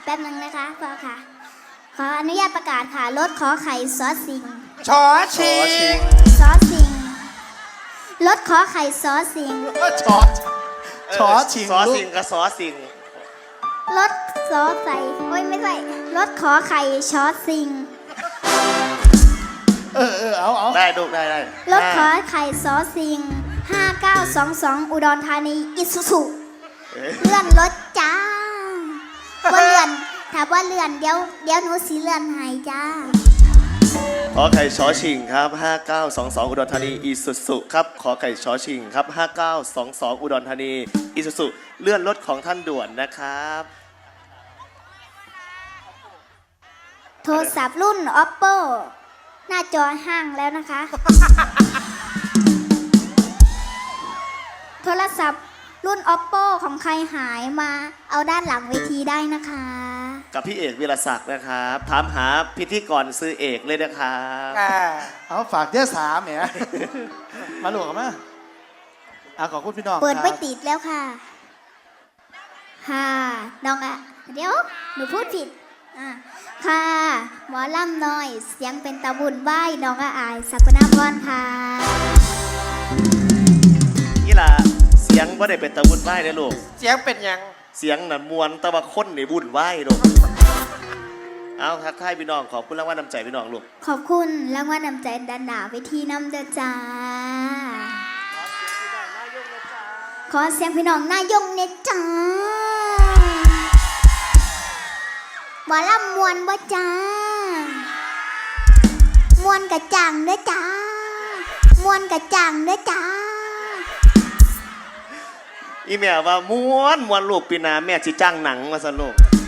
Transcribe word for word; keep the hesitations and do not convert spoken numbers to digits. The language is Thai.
แป๊บนึงนะคะพ่อค่ะขออนุญาตประกาศค่ะรถขอไข่ซอสสิงชอชิงซอสสิงรถขอไข่ซอสสิงชอชอชิงซอลูสิงกกับซอสิงรถซอสใส่โอ้ยไม่ใส่รถขอไข่ชอสสิงเออเออเอาเอาได้ลูกได้ได้รถขอไข่ซอสสิงห้าเก้าสองสองอุดรธานีอิสุสุเอ๊ะเลื่อนรถจ้าว่าเลื่อนถ้าว่าเลื่อนเดี๋ยวเดี๋ยวหนูสีเลื่อนให้จ้าขอไข่ชอชิงครับห้าเก้าสองสองอุดรธานีอีสุสุครับขอไข่ชอชิงครับห้าเก้าสองสองอุดรธานีอีสุสุเลื่อนรถของท่านด่วนนะครับโทรศัพท์รุ่น oppo หน้าจอห้างแล้วนะคะ โทรศัพท์รุ่น oppo ของใครหายมาเอาด้านหลังเวทีได้นะคะกับพี่เอกวิรศักดิ์นะครับถามหาพิธีกรซื้อเอกเลยนะครับอ่าเอาฝากเดี๋ยวสามแหม มาหลวงกันมาอ่ะขอบคุณพี่น้องเปิดครับไม่ติดแล้วค่ะค่ะน้องอะเดี๋ยวหนูพูดผิดอ่ะค่ะหมอลำน้อยเสียงเป็นตะบุญไหวน้องอะอายสักนาพรค่ะนี่ล่ะเสียงว่าได้เป็นตะวุ่นไหวนะลูกเสียงเป็นหยังเสียงน่ะมวนแตะว่าคนในบุญไหวลูกเอาทักทายพี่น้องขอบคุณรางวัลน้ำใจพี่น้องลูกขอบคุณรางวัลนำใจดันดาเวทีน้ำเด้อจ้า ขอเสียงพี่น้องนายงเนยจ้าหมอลำมวนบ่จ้ามวนกะจังเด้อจ้ามวนกะจังเด้อจ้าอีแม่ว่าม้วนม้วนลูกปีหนาแม่จิจ้างหนังมาสนุก